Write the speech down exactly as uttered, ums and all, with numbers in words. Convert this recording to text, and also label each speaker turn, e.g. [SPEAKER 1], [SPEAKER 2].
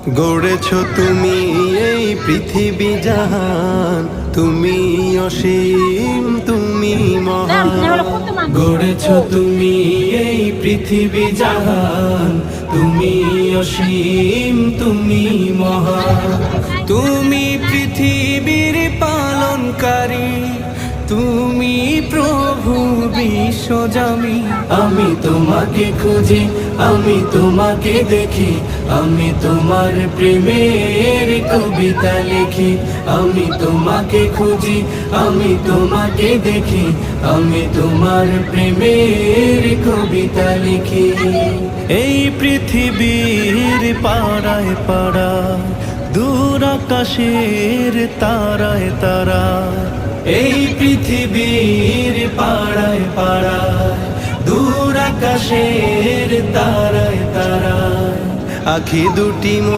[SPEAKER 1] গড়েছ তুমি এই পৃথিবী জাহান, তুমি অসীম তুমি মহান। গড়েছ তুমি এই পৃথিবী জাহান, তুমি অসীম তুমি মহান। তুমি পৃথিবীর পালনকারী, তুমি প্রভু বিশ্বজামি। আমি তোমাকে খুঁজি, আমি তোমাকে দেখি, আমি তোমার প্রেমের কবিতা লিখি। আমি তোমাকে খুঁজি, আমি তোমাকে দেখি, আমি তোমার প্রেমের কবিতা লিখি। এই পৃথিবীর পাড়ায় পাড়ায়, দূর আকাশের তারায় তারা, এই পৃথিবীর পাড়ায় পাড়ায়, দূর আকাশের তারায় তারায়, আখি দুটি